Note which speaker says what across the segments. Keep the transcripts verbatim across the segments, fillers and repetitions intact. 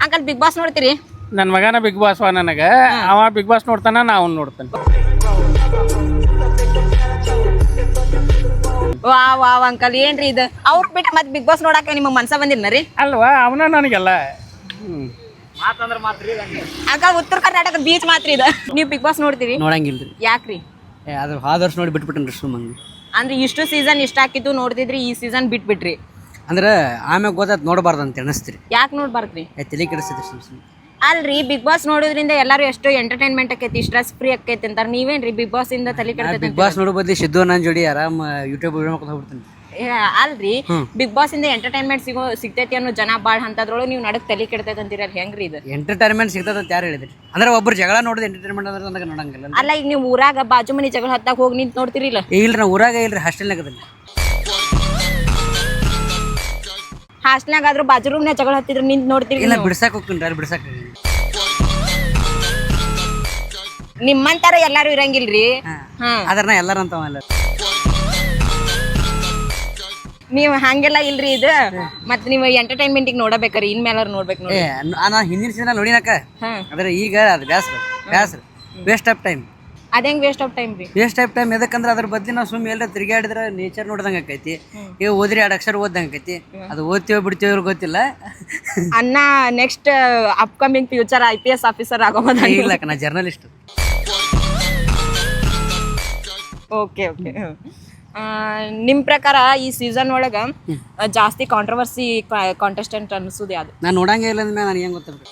Speaker 1: Uncle big Boss ನೋಡ್ತೀರಿ?
Speaker 2: ನನ್ನ ಮಗನ ಬಿಗ್ ಬಾಸ್ ವಾ ನನಗೆ. ಅವ ಬಿಗ್ ಬಾಸ್ ನೋಡ್ತಾನ, ನಾ ಅವ್ನು ನೋಡ್ತಾನೆ.
Speaker 1: ವಾ ವಾ ಅಂಕಲ್ ಏನ್ರಿ ಇದು? ಅವ್ರ ಬಿಟ್ಟು ಮತ್ತೆ ಬಿಗ್ ಬಾಸ್ ನೋಡಾಕ ನಿಮಗೆ ಮನ್ಸ ಬಂದಿಲ್ಲ ರೀ?
Speaker 2: ಅಲ್ವಾ, ಅವನ ನನಗೆಲ್ಲ
Speaker 1: ಅಂಕಲ್ ಉತ್ತರ ಕರ್ನಾಟಕ ಬೀಚ್ ಮಾತ್ರ ಇದು. ನೀವು ಬಿಗ್ ಬಾಸ್ ನೋಡ್ತೀರಿ?
Speaker 3: ನೋಡಂಗಿಲ್ರಿ.
Speaker 1: ಯಾಕ್ರಿ?
Speaker 3: ಅದು ಹೋದ ವರ್ಷ ನೋಡಿ ಬಿಟ್ಬಿಟ್ಟೇನ್ರಿ ಸುಮ್ಮಂಗೆ.
Speaker 1: ಅಂದ್ರೆ ಇಷ್ಟು ಸೀಸನ್ ಇಷ್ಟ ಹಾಕಿತ್ತು ನೋಡ್ತಿದ್ರಿ, ಈ ಸೀಸನ್ ಬಿಟ್ಬಿಟ್ರಿ
Speaker 3: ಅಂದ್ರೆ ಆಮ್ಯಾಗ ಗೊತ್ತಾಯ್ತು ನೋಡಬಾರ್ದು ಅಂತ ಅನಿಸ್ತೀರಿ.
Speaker 1: ಯಾಕೆ ನೋಡ್ಬಾರ್ದ್ರಿ?
Speaker 3: ತಲೆ ಕೆಡಿಸ್ತೈತಿ ಸುಮ್ ಸುಮ್ಮನೆ.
Speaker 1: ಅಲ್ರಿ ಬಿಗ್ ಬಾಸ್ ನೋಡೋದ್ರಿಂದ ಎಲ್ಲರೂ ಎಷ್ಟು ಎಂಟರ್ಟೈನ್ಮೆಂಟ್ ಆಕೈತಿ, ಸ್ಟ್ರೆಸ್ ಫ್ರೀ ಆಕೈತಿ ಅಂತಾರೆ. ನೀವೇನ್ರಿ ಬಿಗ್ ಬಾಸ್ ಇಂದ ತಲೆ ಕೆಡ್ತೈತಿ?
Speaker 3: ಬಿಗ್ ಬಾಸ್ ನೋಡೋ ಬದ್ಲಿ ಸಿದ್ದು ನನ್ನ ಜೋಡಿ ಆರಾಮ್ ಯೂಟ್ಯೂಬ್ ವಿಡಿಯೋ ಮಾಡ್ಕೊಂಡು ಹೋಗ್ಬಿಡ್ತೀನಿ.
Speaker 1: ಅಲ್ರಿ ಬಿಗ್ ಬಾಸ್ ಇಂದ ಎಂಟರ್ಟೈನ್ಮೆಂಟ್ ಸಿಗೋ ಸಿಗ್ತೈತಿ ಅನ್ನೋ ಜನ ಬಾಳ್ ಅಂತದ್ರೊಳಗೆ ನೀವು ನಡಕ್ ತಲೆ ಕೆಡ್ತೈತಿ ಅಂತೀರ, ಹೆಂಗ್ರಿ ಇದು?
Speaker 3: ಎಂಟರ್ಟೈನ್ಮೆಂಟ್ ಸಿಗ್ತದ ಅಂತ ಯಾರು ಹೇಳಿದ್ರಿ? ಅಂದ್ರೆ ಒಬ್ಬರು ಜಗಳ ನೋಡಿದ್ರೆ ಎಂಟರ್ಟೈನ್ಮೆಂಟ್ ಅಂದ್ರೆ ನನಗೆ ನೋಡಂಗಿಲ್ಲ.
Speaker 1: ಅಲ್ಲ, ಈಗ ನೀವು ಊರಾಗ ಬಾಜು ಮನಿ ಜಗಳ ಹತ್ತಾಗ ಹೋಗಿ ನಿಂತು ನೋಡ್ತಿರಿಲ್ಲ?
Speaker 3: ಇಲ್ರಿ, ನಾ ಊರಾಗ ಇಲ್ರಿ, ಹಾಸ್ಟೆಲ್ನಾಗ ಅದನ್ನ.
Speaker 1: ಹಾಸ್ಟೆಲ್ನಾಗ ಆದ್ರೂ ಬಾಜು ರೂಮ್ನ ಜಗಳ ಹತ್ತಿದ್ರು ನಿಂತು ನೋಡ್ತಿರಿ?
Speaker 3: ಇಲ್ಲ, ಬಿಡ್ಸಾಕ್ ಹೋಗ್ತೀನಿ ಅಲ್ಲಿ ಬಿಡ್ಸಾಕ.
Speaker 1: ನಿಮ್ಮಂತಾರ ಎಲ್ಲಾರು ಇರಂಗಿಲ್ರಿ.
Speaker 3: ಅದ್ರ ನಾ ಎಲ್ಲಾರ ಅಂತ
Speaker 1: ನೀವ್ ಹಂಗೆಲ್ಲ ಇಲ್ರಿ ಇದು. ಮತ್ ನೀವ್ ಎಂಟರ್ಟೈನ್ಮೆಂಟ್ ನೋಡಬೇಕ್ರಿ, ಇನ್ಮೇಲಾರು ನೋಡ್ಬೇಕು ನೋಡಿ.
Speaker 3: ನಾ ಹಿಂದಿನ ಸೀಸನ್ ನೋಡಿನಾಕ, ಆದ್ರೆ ಈಗ ಅದು ಬ್ಯಾಸ್ರ ಬ್ಯಾಸ್ರ ವೇಸ್ಟ್ ಆಫ್ ಟೈಮ್.
Speaker 1: ಅದೇಂಗ್ ವೇಸ್ಟ್ ಆಫ್ ಟೈಮ್ ರೀ?
Speaker 3: ವೇಸ್ಟ್ ಆಫ್ ಟೈಮ್ ಎದಕ್ಕಂದ್ರೆ ಅದ್ರ ಬದ್ಲಿ ನಾವು ಸುಮ್ಮನೆ ಎಲ್ಲ ತಿರುಗಾಡಿದ್ರೆ ನೇಚರ್ ನೋಡ್ದಂಗೆ ಆಕೈತಿ. ಈಗ ಓದ್ರಿ ಎರಡು ಅಕ್ಷರ ಓದ್ದಂಗೆ ಆಕೈತಿ. ಅದು ಓದ್ತೀವೋ ಬಿಡ್ತೀವೋ ಗೊತ್ತಿಲ್ಲ.
Speaker 1: ಅನ್ನ next upcoming future I P S officer ಆಗೋದ?
Speaker 3: ಇಲ್ಲ, ನಾ ಜರ್ನಲಿಸ್ಟ್.
Speaker 1: Okay okay. ನಿಮ್ಮ ಪ್ರಕಾರ ಈ ಸೀಸನ್ ಒಳಗೆ ಜಾಸ್ತಿ ಕಾಂಟ್ರವರ್ಸಿ ಕಾಂಟೆಸ್ಟೆಂಟ್ ಅನ್ಸೋದು ಯಾವುದು?
Speaker 3: ನಾನು ನೋಡಂಗೇ ಇಲ್ಲ ಅಂದ್ಮೇಲೆ ನನಗೆ ಹೆಂಗೆ ಗೊತ್ತಾಗ್ಬೇಕು?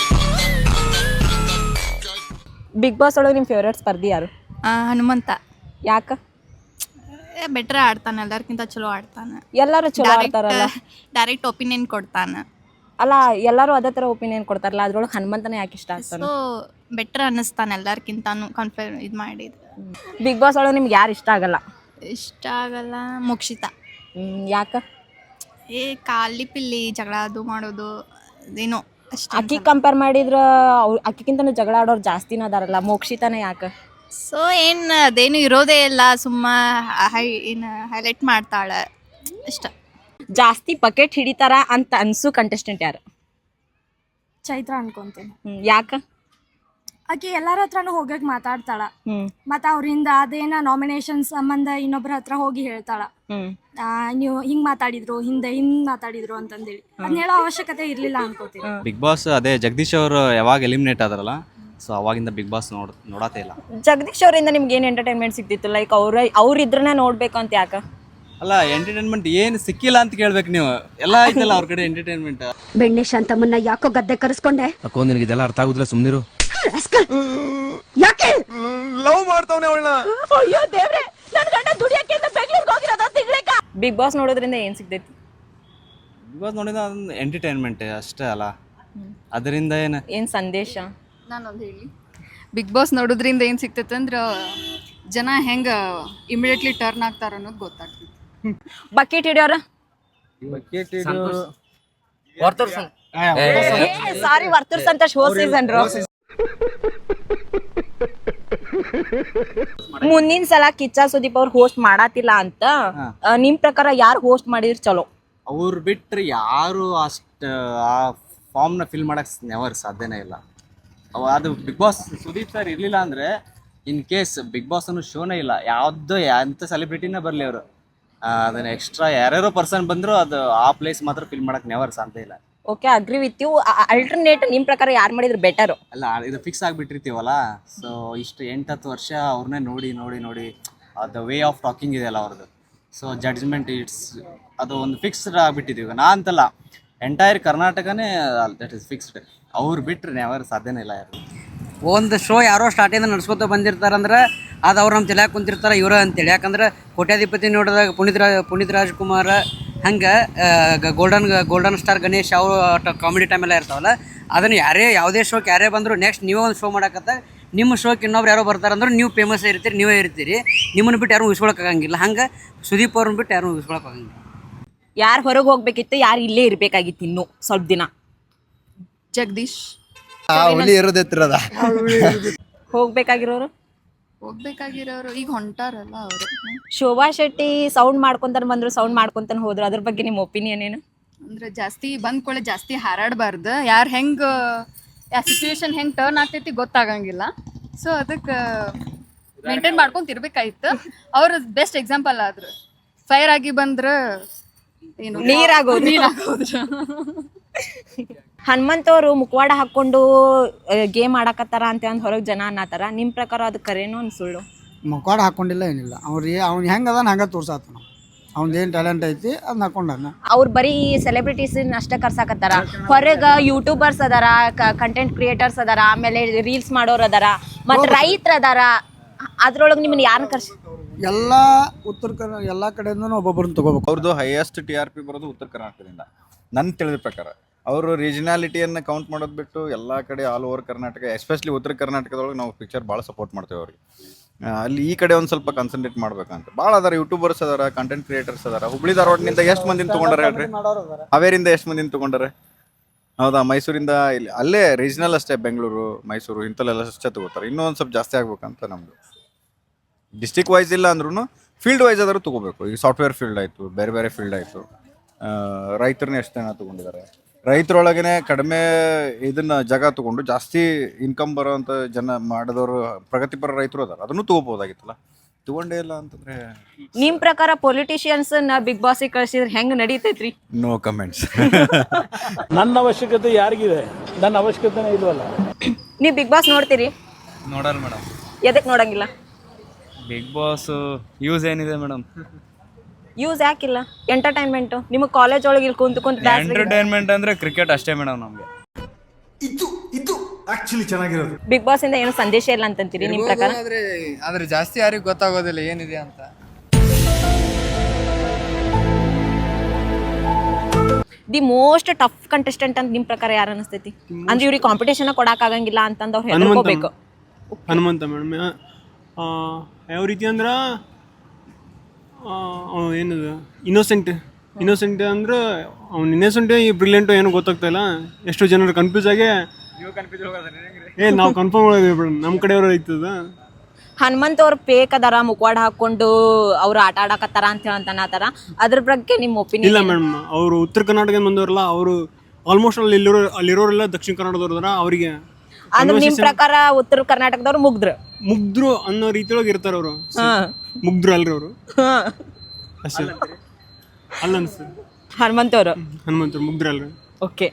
Speaker 1: ಬಿಗ್ ಬಾಸ್ ಒಳಗೆ ನಿಮ್ಮ ಫೇವ್ರೇಟ್ ಸ್ಪರ್ಧಿ ಯಾರು?
Speaker 4: ಹನುಮಂತ.
Speaker 1: ಯಾಕೆ?
Speaker 4: ಬೆಟ್ರ್ ಆಡ್ತಾನೆ, ಎಲ್ಲರಿಗಿಂತ ಚಲೋ ಆಡ್ತಾನೆ.
Speaker 1: ಎಲ್ಲರೂ ಚಲೋ ಆಡ್ತಾರಲ್ಲ,
Speaker 4: ಡೈರೆಕ್ಟ್ ಒಪಿನಿಯನ್ ಕೊಡ್ತಾನೆ.
Speaker 1: ಅಲ್ಲ, ಎಲ್ಲರೂ ಅದೇ ಥರ ಒಪಿನಿಯನ್ ಕೊಡ್ತಾರಲ್ಲ, ಅದ್ರೊಳಗೆ ಹನುಮಂತನೇ ಯಾಕೆ ಇಷ್ಟ ಆಗ್ತಾನೆ?
Speaker 4: ಸೊ ಬೆಟ್ರ್ ಅನ್ನಿಸ್ತಾನೆ ಎಲ್ಲರಿಗಿಂತಾನು ಕನ್ಫರ್ ಇದು ಮಾಡಿದ್ದು.
Speaker 1: ಬಿಗ್ ಬಾಸ್ ಒಳಗೆ ನಿಮ್ಗೆ ಯಾರು ಇಷ್ಟ ಆಗಲ್ಲ?
Speaker 4: ಇಷ್ಟ ಆಗಲ್ಲ ಮೋಕ್ಷಿತಾ.
Speaker 1: ಯಾಕೆ?
Speaker 4: ಏ ಖಾಲಿ ಪಿಲ್ಲಿ ಜಗಳ ಅದು ಮಾಡೋದು ಏನೋ ಅಷ್ಟೇ.
Speaker 1: ಅಕ್ಕಿ ಕಂಪೇರ್ ಮಾಡಿದ್ರೆ ಅವ್ರು ಅಕ್ಕಿಗಿಂತನೂ ಜಗಳ ಆಡೋರು ಜಾಸ್ತಿನ ಅದಾರಲ್ಲ, ಮೋಕ್ಷಿತಾನೆ ಯಾಕೆ?
Speaker 4: ಸೊ ಏನು ಅದೇನು ಇರೋದೇ ಇಲ್ಲ, ಸುಮ್ಮ ಹೈ ಏನು ಹೈಲೈಟ್ ಮಾಡ್ತಾಳೆ ಇಷ್ಟ.
Speaker 1: ಜಾಸ್ತಿ ಬಕೆಟ್ ಹಿಡಿತಾರ ಅಂತ ಅನ್ಸು ಕಂಟೆಸ್ಟೆಂಟ್ ಯಾರು?
Speaker 5: ಚೈತ್ರ ಅನ್ಕೊಂತೀನಿ.
Speaker 1: ಯಾಕೆ?
Speaker 5: ಆಕೆ ಎಲ್ಲರ ಹತ್ರನೂ ಹೋಗಕ್ ಮಾತಾಡ್ತಾಳ, ಮತ್ತ ಅವ್ರಿಂದ ಅದೇನ ನಾಮಿನೇಷನ್ ಸಂಬಂಧ ಇನ್ನೊಬ್ರ ಹತ್ರ ಹೋಗಿ ಹೇಳ್ತಾಳ, ನೀವು ಹಿಂಗ್ ಮಾತಾಡಿದ್ರು, ಹಿಂದೆ ಹಿಂಗ್ ಮಾತಾಡಿದ್ರು ಅಂತಂದೇಳಿ. ಅದನ್ನ ಹೇಳೋ ಅವಶ್ಯಕತೆ ಇರ್ಲಿಲ್ಲ ಅನ್ಕೋತೀನಿ.
Speaker 6: ಬಿಗ್ ಬಾಸ್ ಅದೇ ಜಗದೀಶ್ ಅವರು ಯಾವಾಗ ಎಲಿಮಿನೇಟ್ ಆದ್ರಲ್ಲ, ಸೊ ಅವಾಗಿಂದ ಬಿಗ್ ಬಾಸ್ ನೋಡ್ ನೋಡತ್ತೇ ಇಲ್ಲ.
Speaker 1: ಜಗದೀಶ್ ಅವರಿಂದ ನಿಮ್ಗೆ ಏನು ಎಂಟರ್ಟೈನ್ಮೆಂಟ್ ಸಿಗ್ತಿತ್ತು? ಲೈಕ್ ಅವ್ರ ಅವ್ರಿದ್ರನ್ನ ನೋಡ್ಬೇಕು ಅಂತ ಯಾಕೆ?
Speaker 6: ಅಲ್ಲ, ಎಂಟರ್ಟೈನ್ಮೆಂಟ್ ಏನು ಸಿಕ್ಕಿಲ್ಲ ಅಂತ ಕೇಳ್ಬೇಕು ನೀವು. ಎಲ್ಲ ಐತಲ್ಲ ಅವ್ರ ಕಡೆ ಎಂಟರ್ಟೈನ್ಮೆಂಟ್.
Speaker 7: ಬೆಣ್ಣೆ ಶಾಂತಮ್ಮನ್ನ ಯಾಕೋ ಗದ್ದೆ ಕರೆಸ್ಕೊಂಡೆ?
Speaker 8: ಅಕ್ಕೋ, ನಿನಗೆ ಇದೆಲ್ಲ ಅರ್ಥ ಆಗುದಿಲ್ಲ, ಸುಮ್ನಿರು.
Speaker 7: ಯಾಕೆ
Speaker 8: ಲವ್ ಮಾಡ್ತಾವನೆ ಅವಳನ್ನ?
Speaker 7: ಅಯ್ಯೋ ದೇವ್ರೆ, ನನ್ನ ಗಂಡ ದುಡಿಯಕ್ಕೆ ಅಂತ ಬೆಂಗಳೂರಿಗೆ ಹೋಗಿರೋದ ತಿಂಗ್ಳಕ.
Speaker 1: ಬಿಗ್ ಬಾಸ್ ನೋಡೋದ್ರಿಂದ ಏನ್ ಸಿಗ್ತೈತಿ?
Speaker 6: ಬಿಗ್ ಬಾಸ್ ನೋಡಿದ ಅದೊಂದು ಎಂಟರ್ಟೈನ್ಮೆಂಟ್ ಅಷ್ಟೇ ಅಲ್ಲ, ಅದರಿಂದ ಏನು
Speaker 1: ಏನ್ ಸಂದೇಶ?
Speaker 9: ನಾನೊಂದು ಹೇಳಿ, ಬಿಗ್ ಬಾಸ್ ನೋಡೋದ್ರಿಂದ ಏನು ಸಿಗ್ತೈತೆ ಅಂದ್ರೆ ಜನ ಹೆಂಗೆ ಇಮಿಡಿಯೇಟ್ಲಿ ಟರ್ನ್ ಆಗ್ತಾರ ಅನ್ನೋದು ಗೊತ್ತಾಗ್ತೈತಿ.
Speaker 1: ಬಕೆಟ್ ಹಿಡಿಯೋರ? ಸಾರಿ, ವರ್ತೂರ್ ಸಂತೋಷ್ ಹೋದ ಸೀಸನ್. ಮುಂದಿನ ಸಲ ಕಿಚ್ಚ ಸುದೀಪ್ ಅವ್ರು ಹೋಸ್ಟ್ ಮಾಡಾತಿಲ್ಲ ಅಂತ ನಿಮ್ ಪ್ರಕಾರ ಯಾರು ಹೋಸ್ಟ್ ಮಾಡಿದ್ರೆ ಚಲೋ?
Speaker 6: ಅವ್ರು ಬಿಟ್ರೆ ಯಾರು ಅಷ್ಟು ಆ ಫಾರ್ಮ್ನ ಫಿಲ್ ಮಾಡಕ್ ನೆವರ್ ಸಾಧ್ಯನೇ ಇಲ್ಲ. ಅದು ಬಿಗ್ ಬಾಸ್ ಸುದೀಪ್ ಸರ್ ಇರಲಿಲ್ಲ ಅಂದರೆ ಇನ್ ಕೇಸ್ ಬಿಗ್ ಬಾಸ್ ಅನ್ನೋ ಶೋನೇ ಇಲ್ಲ. ಯಾವುದೋ ಎಂಥ ಸೆಲೆಬ್ರಿಟಿನೇ ಬರಲಿ ಅವರು, ಅದನ್ನ ಎಕ್ಸ್ಟ್ರಾ ಯಾರ್ಯಾರೋ ಪರ್ಸನ್ ಬಂದರೂ ಅದು ಆ ಪ್ಲೇಸ್ ಮಾತ್ರ ಫಿಲ್ ಮಾಡಕ್ಕೆ ನೆವರ್ ಸಾಧ್ಯ ಇಲ್ಲ.
Speaker 1: Okay, agree with you. Alternate ನಿಮ್ಮ ಪ್ರಕಾರ ಯಾರು ಮಾಡಿದ್ರೆ ಬೆಟರು?
Speaker 6: ಅಲ್ಲ, ಇದು ಫಿಕ್ಸ್ ಆಗಿಬಿಟ್ಟಿರ್ತೀವಲ್ಲ, ಸೊ ಇಷ್ಟು ಎಂಟು ಹತ್ತು ವರ್ಷ ಅವ್ರನ್ನೇ ನೋಡಿ ನೋಡಿ ನೋಡಿ ಅದು ವೇ ಆಫ್ ಟಾಕಿಂಗ್ ಇದೆಯಲ್ಲ ಅವ್ರದ್ದು, ಸೊ ಜಡ್ಜ್ಮೆಂಟ್ ಇಟ್ಸ್ ಅದು ಒಂದು ಫಿಕ್ಸ್ಡ್ ಆಗಿಬಿಟ್ಟಿದ್ದೀವಿ. ನಾ ಅಂತಲ್ಲ, ಎಂಟೈರ್ ಕರ್ನಾಟಕನೇ ದಟ್ ಇಸ್ ಫಿಕ್ಸ್ಡ್. ಅವ್ರು ಬಿಟ್ಟರೆ ನೆವರ್ ಸಾಧ್ಯನೇ ಇಲ್ಲ ಯಾರು.
Speaker 3: ಒಂದು ಶೋ ಯಾರೋ ಸ್ಟಾರ್ಟಿಂದ ನಡ್ಸ್ಕೊತ ಬಂದಿರ್ತಾರಂದ್ರೆ ಅದು ಅವ್ರು ನಮ್ಮ ತಲೆಯಾಗ ಕುಂತಿರ್ತಾರೆ ಇವ್ರ ಅಂತೇಳಿ. ಯಾಕಂದ್ರೆ ಕೋಟ್ಯಾಧಿಪತಿ ನೋಡಿದಾಗ ಪುನೀತ್ ರಾಜ್ ಪುನೀತ್ ರಾಜ್ಕುಮಾರ್ ಹಂಗೆ ಗೋಲ್ಡನ್ ಗೋಲ್ಡನ್ ಸ್ಟಾರ್ ಗಣೇಶ್ ಅವರು ಕಾಮಿಡಿ ಟೈಮೆಲ್ಲ ಇರ್ತಾವಲ್ಲ, ಅದನ್ನು ಯಾರೇ ಯಾವುದೇ ಶೋಕ್ಕೆ ಯಾರೇ ಬಂದರೂ ನೆಕ್ಸ್ಟ್ ನೀವೇ ಒಂದು ಶೋ ಮಾಡಕತ್ತ ನಿಮ್ಮ ಶೋಕ್ಕೆ ಇನ್ನೊಬ್ರು ಯಾರೋ ಬರ್ತಾರಂದ್ರೆ ನೀವು ಫೇಮಸ್ ಇರ್ತೀರಿ, ನೀವೇ ಇರ್ತೀರಿ, ನಿಮ್ಮನ್ನು ಬಿಟ್ಟು ಯಾರು ಉಳಿಸ್ಕೊಳಕ್ಕಾಗಂಗಿಲ್ಲ. ಹಂಗೆ ಸುದೀಪ್ ಅವ್ರನ್ನ ಬಿಟ್ಟು ಯಾರು ಉಳಿಸ್ಕೊಳಕ್ಕಾಗಂಗಿಲ್ಲ.
Speaker 1: ಯಾರು ಹೊರಗೆ ಹೋಗ್ಬೇಕಿತ್ತು, ಯಾರು ಇಲ್ಲೇ ಇರಬೇಕಾಗಿತ್ತು ಇನ್ನೂ ಸ್ವಲ್ಪ ದಿನ?
Speaker 9: ಜಗದೀಶ್
Speaker 1: ಹೋಗ್ಬೇಕಾಗಿರೋರು
Speaker 9: ಹೋಗ್ಬೇಕಾಗಿರೋರು ಈಗ ಹೊಂಟಾರಲ್ಲ ಅವರು.
Speaker 1: ಶೋಭಾ ಶೆಟ್ಟಿ ಸೌಂಡ್ ಮಾಡ್ಕೊಂತಾನೆ ಬಂದ್ರು, ಸೌಂಡ್ ಮಾಡ್ಕೊಂತಾನೆ ಹೋದ್ರು, ಅದ್ರ ಬಗ್ಗೆ ನಿಮ್ಮ ಒಪಿನಿಯನ್ ಏನು?
Speaker 9: ಅಂದ್ರೆ ಜಾಸ್ತಿ ಬಂದ್ಕೊಳ್ಳೆ ಜಾಸ್ತಿ ಹಾರಾಡಬಾರ್ದು. ಯಾರು ಹೆಂಗೆ ಯಾ ಸಿಚುವೇಶನ್ ಹೆಂಗೆ ಟರ್ನ್ ಆಗ್ತೈತಿ ಗೊತ್ತಾಗಂಗಿಲ್ಲ. ಸೊ ಅದಕ್ಕೆ ಮೇಂಟೈನ್ ಮಾಡ್ಕೊಂತ ಇರ್ಬೇಕಾಯ್ತು. ಅವ್ರ ಬೆಸ್ಟ್ ಎಕ್ಸಾಂಪಲ್ ಆದ್ರು. ಫೈರ್ ಆಗಿ ಬಂದ್ರೆ ಏನು
Speaker 1: ನೀರಾಗೋದು.
Speaker 9: ನೀರಾಗೋದ್ರು.
Speaker 1: ಹನುಮಂತವ್ರು ಮುಖವಾಡ ಹಾಕೊಂಡು ಗೇಮ್ ಆಡಕತ್ತಾರ ಅಂತ ಅಂದ್ ಹೊರಗೆ ಜನ ಅನ್ನತಾರ. ನಿಮ್ ಪ್ರಕಾರ ಅದು ಕರೇನೋ ಒಂದು ಸುಳ್ಳು?
Speaker 10: ಮುಖವಾಡ ಹಾಕೊಂಡಿಲ್ಲ ಏನಿಲ್ಲ. ಅವ್ರಿಗೆ ಅವ್ನು ಹೆಂಗೆ ಅದಾನ ಹಂಗೆ ತೋರ್ಸಾತ ನಾವು. ಅವ್ನದ್ದು ಏನು ಟ್ಯಾಲೆಂಟ್ ಐತಿ ಅದನ್ನ ಹಾಕೊಂಡಾನ.
Speaker 1: ಅವ್ರು ಬರೀ ಸೆಲೆಬ್ರಿಟೀಸ್ ಅಷ್ಟೇ ಕರ್ಸಾಕತ್ತಾರ. ಹೊರಗೆ ಯೂಟ್ಯೂಬರ್ಸ್ ಅದಾರ, ಕಂಟೆಂಟ್ ಕ್ರಿಯೇಟರ್ಸ್ ಅದಾರ, ಆಮೇಲೆ ರೀಲ್ಸ್ ಮಾಡೋರು ಅದಾರ, ಮತ್ತೆ ರೈತರ ಅದಾರ. ಅದ್ರೊಳಗೆ ನಿಮ್ಮನ್ನ ಯಾರನ್ನ ಕರ್ಸಿ?
Speaker 10: ಎಲ್ಲ ಉತ್ತರ ಕನ್ನಡ ಎಲ್ಲ ಕಡೆಯಿಂದನೂ ಒಬ್ಬೊಬ್ಬರನ್ನ ತಗೋಬೇಕು.
Speaker 11: ಅವ್ರದ್ದು ಹೈಯೆಸ್ಟ್ ಟಿ ಆರ್ ಪಿ ಬರೋದು ಉತ್ತರ ಕರ್ನಾಟಕದಿಂದ ನನ್ನ ತಿಳಿದ ಪ್ರಕಾರ. ಅವರು ರೀಜನಾಲಿಟಿಯನ್ನು ಕೌಂಟ್ ಮಾಡೋದು ಬಿಟ್ಟು ಎಲ್ಲ ಕಡೆ ಆಲ್ ಓವರ್ ಕರ್ನಾಟಕ, ಎಸ್ಪೆಷಲಿ ಉತ್ತರ ಕರ್ನಾಟಕದೊಳಗೆ ನಾವು ಪಿಕ್ಚರ್ ಭಾಳ ಸಪೋರ್ಟ್ ಮಾಡ್ತೇವೆ ಅವ್ರಿಗೆ. ಅಲ್ಲಿ ಈ ಕಡೆ ಒಂದು ಸ್ವಲ್ಪ ಕಾನ್ಸಂಟ್ರೇಟ್ ಮಾಡ್ಬೇಕಂತ ಭಾಳ ಅದಾರ. ಯೂಟ್ಯೂಬರ್ಸ್ ಅದಾರ, ಕಂಟೆಂಟ್ ಕ್ರಿಯೇಟರ್ಸ್ ಅದಾರ. ಹುಬ್ಳಿ ಧಾರವಾಡನಿಂದ ಎಷ್ಟು ಮಂದಿನ ತೊಗೊಂಡಾರೆ ಹೇಳ್ರಿ? ಹಾವೇರಿಂದ ಎಷ್ಟು ಮಂದಿನ ತೊಗೊಂಡಾರೆ? ಹೌದಾ? ಮೈಸೂರಿಂದ ಇಲ್ಲಿ ಅಲ್ಲೇ ರೀಜನಲ್ ಅಷ್ಟೇ, ಬೆಂಗಳೂರು ಮೈಸೂರು ಇಂಥಲ್ಲೆಲ್ಲ ಅಷ್ಟೇ ತೊಗೋತಾರೆ. ಇನ್ನೂ ಒಂದು ಸ್ವಲ್ಪ ಜಾಸ್ತಿ ಆಗ್ಬೇಕಂತ ನಮ್ಮದು. ಡಿಸ್ಟಿಕ್ ವೈಸ್ ಇಲ್ಲ ಅಂದ್ರೂ ಫೀಲ್ಡ್ ವೈಸ್ ಆದರೂ ತೊಗೋಬೇಕು. ಈಗ ಸಾಫ್ಟ್ವೇರ್ ಫೀಲ್ಡ್ ಆಯಿತು, ಬೇರೆ ಬೇರೆ ಫೀಲ್ಡ್ ಆಯಿತು. ರೈತರನ್ನ ಎಷ್ಟು ಜನ ತೊಗೊಂಡಿದ್ದಾರೆ? ರೈತರೊಳಗೇ ಕಡಿಮೆ ಇದನ್ನ ಜಾಗ ತೊಗೊಂಡು ಜಾಸ್ತಿ ಇನ್ಕಮ್ ಬರೋವಂಥ ಜನ ಮಾಡಿದವರು ಪ್ರಗತಿಪರ ರೈತರು ಅದಾರ. ಅದನ್ನು ತೊಗೋಬೋದಾಗಿತ್ತಲ್ಲ, ತೊಗೊಂಡೇ ಇಲ್ಲ ಅಂತಂದ್ರೆ.
Speaker 1: ನಿಮ್ ಪ್ರಕಾರ ಪೊಲಿಟಿಷಿಯನ್ಸ್ ನ ಬಿಗ್ ಬಾಸಿಗೆ ಕಳ್ಸಿದ್ರೆ ಹೆಂಗ್ ನಡೀತೈತ್ರಿ?
Speaker 11: No comments.
Speaker 2: ನನ್ನ ಅವಶ್ಯಕತೆ ಯಾರಿಗಿದೆ? ನನ್ನ ಅವಶ್ಯಕತೆನೇ ಇಲ್ವಲ್ಲ.
Speaker 1: ನೀವ್ ಬಿಗ್ ಬಾಸ್ ನೋಡ್ತೀರಿ?
Speaker 6: ನೋಡಲ್ಲ ಮೇಡಮ್.
Speaker 1: ಎದಕ್ ನೋಡಂಗಿಲ್ಲ?
Speaker 6: ಬಿಗ್ ಬಾಸ್ ಯೂಸ್ ಏನಿದೆ ಮೇಡಮ್?
Speaker 1: ಯೂಸ್ ಯಾಕಿಲ್ಲ? ಎಂಟರ್ಟೈನ್ಮೆಂಟ್. ನಿಮಗೆ ಕಾಲೇಜ್ ಒಳಗೆ ಇಲ್ಲಿ ಕುಂತು ಕುಂತು
Speaker 6: ಎಂಟರ್ಟೈನ್ಮೆಂಟ್ ಅಂದ್ರೆ ಕ್ರಿಕೆಟ್ ಅಷ್ಟೇ ಮೇಡಮ್ ನಮಗೆ.
Speaker 8: ಇದು ಇದು ಆಕ್ಚುಲಿ ಚೆನ್ನಾಗಿರೋದು.
Speaker 1: ಬಿಗ್ ಬಾಸ್ ಇಂದ ಏನು ಸಂದೇಶ ಇಲ್ಲ ಅಂತಂತೀರಿ ನಿಮ್ ಪ್ರಕಾರ?
Speaker 3: ಆದ್ರೆ ಆದ್ರೆ ಜಾಸ್ತಿ ಯಾರಿಗೂ ಗೊತ್ತಾಗೋದಿಲ್ಲ ಏನಿದೆ ಅಂತ.
Speaker 1: ದಿ ಮೋಸ್ಟ್ ಟಫ್ ಕಂಟೆಸ್ಟೆಂಟ್ ಅಂತ ನಿಮ್ ಪ್ರಕಾರ ಯಾರು ಅನಿಸ್ತೈತಿ? ಅಂದ್ರೆ ಇವ್ರಿಗೆ ಕಾಂಪಿಟೇಷನ್ ಕೊಡಕ್ ಆಗಂಗಿಲ್ಲ ಅಂತಂದ್ ಅವ್ರು ಹೆದರ್ಕೋಬೇಕು.
Speaker 2: ಹನುಮಂತ ಮೇಡಮ್ ಯಾವ ರೀತಿ ಅಂದ್ರೆ ಏನದು ಇನ್ನೋಸೆಂಟ್ ಇನ್ನೋಸೆಂಟ್ ಅಂದ್ರೆ ಅವ್ನು ಇನ್ನೋಸೆಂಟ್ ಈ ಬ್ರಿಲಿಯಂಟು ಏನೋ ಗೊತ್ತಾಗ್ತಾ ಇಲ್ಲ. ಎಷ್ಟೋ ಜನರು ಕನ್ಫ್ಯೂಸ್ ಆಗಿ ಏ ನಾವು ಕನ್ಫರ್ಮ್ ಮಾಡಿದ್ವಿ ನಮ್ಮ ಕಡೆಯವರು ಐತದ.
Speaker 1: ಹನುಮಂತ ಅವ್ರು ಪೇಕ್ ಅದಾರ, ಮುಖವಾಡ ಹಾಕೊಂಡು ಅವ್ರು ಆಟ ಆಡಕತ್ತಾರ ಅಂತ ಹೇಳಂತಾರ. ಅದ್ರ ಬಗ್ಗೆ ನಿಮ್ಮ ಒಪಿನಿಯನ್?
Speaker 2: ಇಲ್ಲ ಮೇಡಮ್, ಅವರು ಉತ್ತರ ಕರ್ನಾಟಕ ಬಂದವರಲ್ಲ, ಅವರು ಆಲ್ಮೋಸ್ಟ್ ಅಲ್ಲಿ ಇಲ್ಲಿರೋ ಅಲ್ಲಿರೋರೆಲ್ಲ ದಕ್ಷಿಣ ಕನ್ನಡದವ್ರು ಅದಾರ. ಅವರಿಗೆ
Speaker 1: ಅಂದ್ರೆ ನಿಮ್ ಪ್ರಕಾರ ಉತ್ತರ ಕರ್ನಾಟಕದವ್ರು ಮುಗ್ದ್ರು
Speaker 2: ಮುಗ್ದ್ರು ಅನ್ನೋ ರೀತಿಯೊಳಗೆ ಇರ್ತಾರ. ಅವರು ಮುಗ್ದ್ರು ಅಲ್ರಿ ಅವರು ಅಷ್ಟೇ ಅಲ್ಲ ಅನ್ಸ್ತದೆ.
Speaker 1: ಹನುಮಂತ ಅವರು
Speaker 2: ಹನುಮಂತರು ಮುಗ್ದ್ರು ಅಲ್ರಿ.
Speaker 1: ಓಕೆ.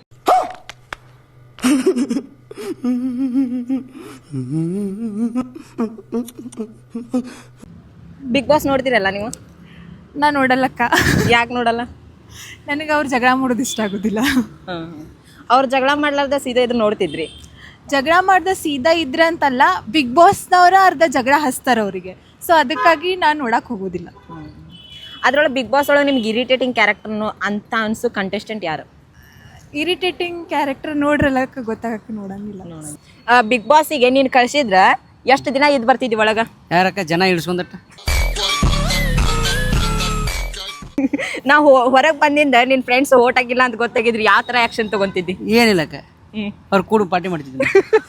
Speaker 1: ಬಿಗ್ ಬಾಸ್ ನೋಡ್ತೀರಲ್ಲ ನೀವು?
Speaker 4: ನಾ ನೋಡಲ್ಲಕ್ಕ.
Speaker 1: ಯಾಕೆ ನೋಡಲ್ಲ?
Speaker 4: ನನಗೆ ಅವ್ರು ಜಗಳ ಮಾಡೋದು ಇಷ್ಟ ಆಗೋದಿಲ್ಲ.
Speaker 1: ಅವ್ರು ಜಗಳ ಮಾಡ್ಲಾರ್ದ ಸೀದಾ ಇದ್ರ ನೋಡ್ತಿದ್ರಿ?
Speaker 4: ಜಗಳ ಮಾಡ್ದ ಸೀದಾ ಇದ್ರ ಅಂತಲ್ಲ, ಬಿಗ್ ಬಾಸ್ನವ್ರ ಅರ್ಧ ಜಗಳ ಹಚ್ತಾರ ಅವರಿಗೆ. ಸೊ ಅದಕ್ಕಾಗಿ ನಾನು ನೋಡಕ್ ಹೋಗೋದಿಲ್ಲ.
Speaker 1: ಅದ್ರೊಳಗೆ ಬಿಗ್ ಬಾಸ್ ಒಳಗೆ ನಿಮ್ಗೆ ಇರಿಟೇಟಿಂಗ್ ಕ್ಯಾರೆಕ್ಟರ್ನು ಅಂತ ಅನ್ಸು ಕಂಟೆಸ್ಟೆಂಟ್ ಯಾರು?
Speaker 4: ಇರಿಟೇಟಿಂಗ್ ಕ್ಯಾರೆಕ್ಟರ್ ನೋಡ್ರಲ್ಲಕ್ಕ ಗೊತ್ತಾಗಕ್ಕೆ ನೋಡಂಗಿಲ್ಲ.
Speaker 1: ಬಿಗ್ ಬಾಸಿಗೆ ನೀನು ಕಳ್ಸಿದ್ರ ಎಷ್ಟು ದಿನ ಇದ್ ಬರ್ತಿದ್ವಿ ಒಳಗ?
Speaker 3: ಯಾರಕ್ಕ ಜನ ಇಳಿಸ್ಕೊಂಡಟ್ಟ
Speaker 1: ನಾವು ಹೊರಗೆ ಬಂದಿಂದ ನಿನ್ ಫ್ರೆಂಡ್ಸ್ ಓಟ್ ಆಗಿಲ್ಲ ಅಂತ ಗೊತ್ತಾಗಿದ್ರಿ, ಯಾವ ತರ ಆಕ್ಷನ್ ತಗೊಂತಿದ್ದಿ?
Speaker 3: ಏನಿಲ್ಲಕ್ಕ, ಅವ್ರು ಕೂಡ ಪಾರ್ಟಿ ಮಾಡ್ತಿದ್ವಿ.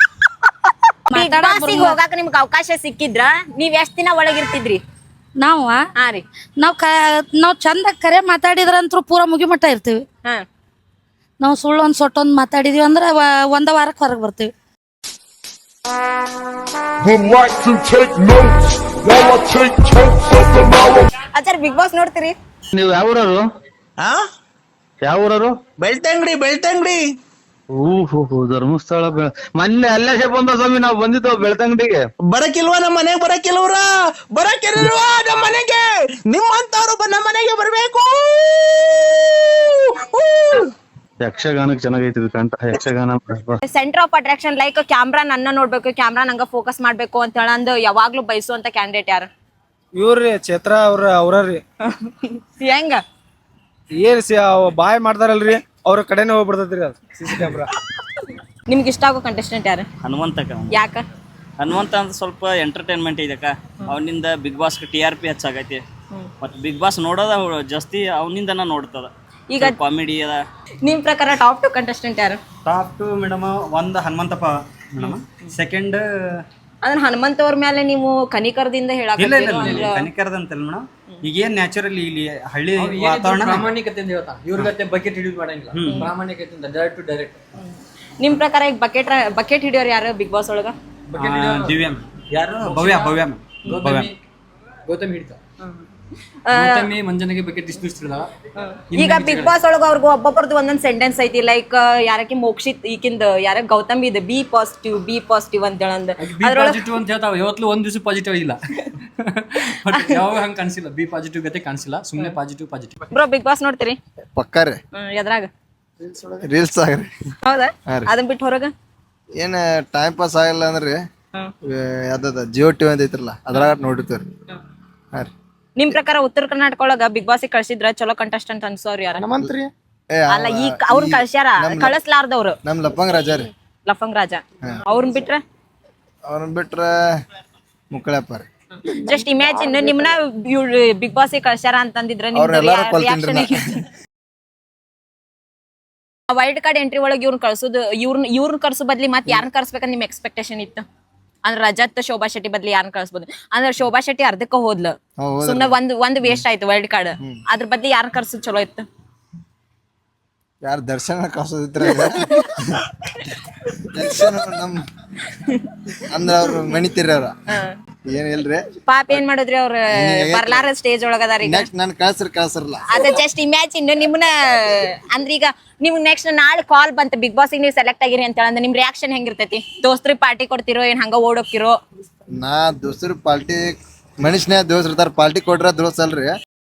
Speaker 1: ಹೋಗಾಕ ನಿಮ್ಗೆ ಅವಕಾಶ ಸಿಕ್ಕಿದ್ರ ನೀವ್ ಎಷ್ಟ್ ದಿನ ಒಳಗಿರ್ತಿದ್ರಿ?
Speaker 7: ನಾವು
Speaker 1: ಹಾ ರೀ,
Speaker 7: ನಾವ್ ಕ ನಾವ್ ಚಂದ ಕರೆ ಮಾತಾಡಿದ್ರಂತ್ರು ಪೂರ ಮುಗಿಮಟ್ಟ ಇರ್ತೀವಿ.
Speaker 1: ಹಾ,
Speaker 7: ನಾವು ಸುಳ್ಳು ಒಂದ್ ಸೊಟ್ಟೊಂದ್ ಮಾತಾಡಿದ್ವಿ ಅಂದ್ರೆ ಒಂದ ವಾರಕ್ಕೆ ಹೊರಗೆ ಬರ್ತೀವಿ.
Speaker 1: ಆಚಾರ ಬಿಗ್ ಬಾಸ್ ನೋಡ್ತೀರಿ?
Speaker 12: ನೀವು ಯಾವೂರರು? ಯಾವೂರರು? ಬೆಳ್ತಂಗಡಿ. ಬೆಳ್ತಂಗಡಿ ಓಹೋ, ಧರ್ಮಸ್ಥಳ. ಮೊನ್ನೆ ಅಲ್ಲೇ ಬಂದ ಸ್ವಾಮಿ, ನಾವು ಬಂದಿದ್ದೇವೆ ಬೆಳ್ತಂಗಡಿಗೆ. ಬರಕಿಲ್ವಾ ನಮ್ಮ ಮನೆಗೆ? ಬರಕಿಲ್ವ್ರ? ಬರಕಿಲ್ವಾ ನಮ್ಮ ಮನೆಗೆ? ನಿಮ್ಮಂತವ್ರು ನಮ್ಮ ಮನೆಗೆ ಬರ್ಬೇಕು. ಯಕ್ಷಗಾನಕ್ಕೆ ಚೆನ್ನಾಗೈತಿ ಕಂಠ. Yakshagana
Speaker 1: centre of attraction like camera ನನ್ನ ನೋಡ್ಬೇಕು, ಕ್ಯಾಮ್ರಾ ನಂಗ ಫೋಕಸ್ ಮಾಡ್ಬೇಕು ಅಂತ ಹೇಳಂದು ಯಾವಾಗ್ಲೂ ಬಯಸುವಂತ ಕ್ಯಾಂಡಿಡೇಟ್ ಯಾರು?
Speaker 10: ಇವ್ರಿ ಚೈತ್ರ ಅವ್ರ ಅವ್ರಿ
Speaker 1: ಹೆಂಗ
Speaker 10: ಏನ್ ಬಾಯ್ ಮಾಡ್ತಾರಲ್ರಿ, ಅವ್ರ ಕಡೆನೇ ಹೋಗ್ಬಿಡ್ತೈತ್ರಿ ಅದು ಸಿಸಿ ಕ್ಯಾಮ್ರಾ.
Speaker 1: ನಿಮ್ಗೆ ಇಷ್ಟ ಆಗೋ ಕಂಟೆಸ್ಟೆಂಟ್ ಯಾರು?
Speaker 6: ಹನುಮಂತಕ್ಕ.
Speaker 1: ಯಾಕ?
Speaker 6: ಹನುಮಂತ ಅಂತ ಸ್ವಲ್ಪ ಎಂಟರ್ಟೈನ್ಮೆಂಟ್ ಇದಕ್ಕ. ಅವನಿಂದ Bigg Boss T R P ಹೆಚ್ಚಾಗೈತಿ. ಮತ್ತೆ ಬಿಗ್ ಬಾಸ್ ನೋಡೋದ ಜಾಸ್ತಿ ಅವನಿಂದ ನೋಡ್ತದ. ಈಗ ಕಾಮಿಡಿ ಅದ.
Speaker 1: ನಿಮ್ ಪ್ರಕಾರ ಟಾಪ್ ಟು ಕಂಟೆಸ್ಟೆಂಟ್ ಯಾರು?
Speaker 3: ಟಾಪ್ ಟು ಮೇಡಮ್ ಒಂದು ಹನುಮಂತಪ್ಪ ಮೇಡಮ್. ಸೆಕೆಂಡ್
Speaker 1: ಅಂದ್ರೆ ಹನುಮಂತ ಅವ್ರ ಮೇಲೆ ನೀವು ಕನಿಕರದಿಂದ ಹೇಳಕ್
Speaker 3: ಕನಿಕರದಂತಲ್ಲ ಮೇಡಮ್, ಈಗೇನ್ ನ್ಯಾಚುರಲಿ ಇಲ್ಲಿ ಹಳ್ಳಿ ವಾತಾವರಣ
Speaker 13: ಪ್ರಾಮಾಣಿಕತೆಯಿಂದ ಹೇಳ್ತಾನೆ ಇವ್ರ ಗತೆ ಬಕೆಟ್ ಹಿಡಿದು ಮಾಡಂಗಿಲ್ಲ ಪ್ರಾಮಾಣಿಕತೆಯಿಂದ ಡೈರೆಕ್ಟ್ ಟು ಡೈರೆಕ್ಟ್.
Speaker 1: ನಿಮ್ ಪ್ರಕಾರ ಈಗ ಬಕೆಟ್ ಬಕೆಟ್ ಹಿಡಿಯೋರು ಯಾರು ಬಿಗ್ ಬಾಸ್ ಒಳಗ?
Speaker 3: ದಿವ್ಯಾ ಯಾರು ಭವ್ಯ ಭವ್ಯ ಭವ್ಯ
Speaker 13: ಗೌತಮಿ ಹಿಡಿತ ಗೌತಮಿ ಮಂಜನಿಗೆ ಬಕೆಟ್ ಇಷ್ಟು ಇಷ್ಟು ಹಿಡಿದಾಳ.
Speaker 1: ಈಗ ಬಿಗ್ ಬಾಸ್ ಒಳಗ ಅವ್ರಿಗೂ ಒಬ್ಬೊಬ್ಬರದ್ದು ಒಂದೊಂದ್ ಸೆಂಟೆನ್ಸ್ ಐತಿ. ಲೈಕ್ ಯಾರಕ್ಕೆ ಮೋಕ್ಷಿತ್ ಈಕಿಂದ ಯಾರ ಗೌತಮಿ ಇದೆ ಬಿ ಪಾಸಿಟಿವ್ ಬಿ ಪಾಸಿಟಿವ್ ಅಂತ ಹೇಳಂದ
Speaker 13: ಪಾಸಿಟಿವ್ ಅಂತ ಹೇಳ್ತಾವ. ಯಾವತ್ತೂ ಒಂದ್ ದಿವಸ ಪಾಸಿಟಿವ್ ಇಲ್ಲ ಬಟ್ ಯಾವಾಗ ಹಂಗ ಕಾಣಿಸಿಲ್ಲ. ಬಿ ಪಾಸಿಟಿವ್ ಗತೆ ಕಾಣಿಸಿಲ್ಲ, ಸುಮ್ಮನೆ positive positive.
Speaker 1: Bro Bigg Boss ನೋಡ್ತೀರಿ?
Speaker 12: ಪಕ್ಕಾರೆ
Speaker 1: ಎದ್ರಾಗ
Speaker 12: ರೀಲ್ಸ್ ಆಗ್ರಿ.
Speaker 1: ಹೌದಾ? ಅದನ್ ಬಿಟ್ಟು ಹೊರಗ
Speaker 12: ಏನ್ ಟೈಮ್ ಪಾಸ್ ಆಗಿಲ್ಲ ಅಂದ್ರೆ ಯಾವ್ದ ಜಿಯೋ ಟಿವಿ ಅಂತ ಐತ್ರಲ್ಲ ಅದ್ರಾಗ ನೋಡಿರ್ತೀವ್ರಿ. ಹಾ ರೀ.
Speaker 1: ನಿಮ್ ಪ್ರಕಾರ ಉತ್ತರ ಕರ್ನಾಟಕ ಒಳಗ ಬಿಗ್ ಬಾಸ್ ಕಳ್ಸಿದ್ರ ಚಲೋ ಕಂಟೆಸ್ಟೆಂಟ್ ಅನ್ಸೋರ್ ಯಾರ?
Speaker 12: ನಮ್ಮಂತ್ರಿ
Speaker 1: ಅಲ್ಲ ಈಗ ಅವ್ರನ್ನ ಕಳ್ಸ್ಯಾರ, ಕಳಿಸ್ಲಾರ್ದವ್ರು
Speaker 12: ನಮ್ ಲಪ್ಪಂಗ್ ರಾಜ ರೀ.
Speaker 1: ಲಫಂಗ್ ರಾಜ. ಅವ್ರನ್ನ ಬಿಟ್ರ
Speaker 12: ಅವ್ರನ್ನ ಬಿಟ್ರ ಮುಕ್ಕಳಪ್ಪ ರೀ.
Speaker 1: ಜಸ್ಟ್ ಇಮ್ಯಾಜಿನ್ ನಿಮ್ನ ಬಿಗ್ ಬಾಸ್ ಕಳ್ಸ್ಯಾರ ಅಂತಂದಿದ್ರ ರಿಯಾಕ್ಷನ್ ವೈಲ್ಡ್ ಕಾರ್ಡ್ ಎಂಟ್ರಿ ಒಳಗೆ ಇವ್ರನ್ನ ಕಳ್ಸೋದು ಇವ್ರನ್ನ ಇವ್ರನ್ನ ಕಳ್ಸೋ ಬದ್ಲಿ ಮತ್ತೆ ಯಾರನ್ನ ಕಳ್ಸ್ಬೇಕಂತ ನಿಮ್ ಎಕ್ಸ್ಪೆಕ್ಟೇಷನ್ ಇತ್ತು? ಅಂದ್ರೆ ರಜತ್ ಶೋಭಾ ಶೆಟ್ಟಿ ಬದ್ಲಿ ಯಾರನ್ನ ಕಳ್ಸ್ಬೋದು? ಅಂದ್ರೆ ಶೋಭಾ ಶೆಟ್ಟಿ ಅರ್ಧಕ್ಕ ಹೋದ್ಲು, ಸುಮ್ನೆ ಒಂದ್ ಒಂದ್ ವೇಸ್ಟ್ ಆಯ್ತು ವೈಲ್ಡ್ ಕಾರ್ಡ್. ಅದ್ರ ಬದ್ಲಿ ಯಾರನ್ನ ಕಳ್ಸೋದು ಚಲೋ ಇತ್ತು?
Speaker 12: ಯಾರು ದರ್ಶನ ಕಳ್ಸೋದಿತ್ರ ದರ್ಶನ ನಮ್ ಅಂದ್ರ ಅವ್ರು ಮಣಿತೀರಿ ಅವ್ರ ಏನ್ ಇಲ್ರಿ
Speaker 1: ಪಾಪ ಏನ್ ಮಾಡಿದ್ರಿ ಅವ್ರ ಬರ್ಲಾರ ಸ್ಟೇಜ್ ಒಳಗದಾರ. ಈಗ
Speaker 12: ನೆಕ್ಸ್ಟ್ ನನ್ ಕಳ್ಸ್ರಿ ಕಳ್ಸರಲ್ಲ.
Speaker 1: ಅದ ಜಸ್ಟ್ ಇಮ್ಯಾಜಿನ್ ನಿಮ್ನ ಅಂದ್ರ ಈಗ ನಿಮ್ಗೆ ನೆಕ್ಸ್ಟ್ ನಾಳೆ ಕಾಲ್ ಬಂತ ಬಿಗ್ ಬಾಸ್ ನೀವು ಸೆಲೆಕ್ಟ್ ಆಗಿರಿ ಅಂತ ಹೇಳಂದ್ರೆ ನಿಮ್ ರಿಯಾಕ್ಷನ್ ಹೆಂಗಿರ್ತೈತಿ? ದೋಸ್ತ್ರಿ ಪಾರ್ಟಿ ಕೊಡ್ತಿರೋ ಏನ್ ಹಂಗ ಓಡೋಕಿರೋ?
Speaker 12: ನಾ ದೋಸ್ತರ ಪಾರ್ಟಿ ಮನುಷ್ಯನೇ ದೋಸ್ರ ಪಾರ್ಟಿ ಕೊಟ್ರ ದೋಸ್ ಅಲ್ರಿ.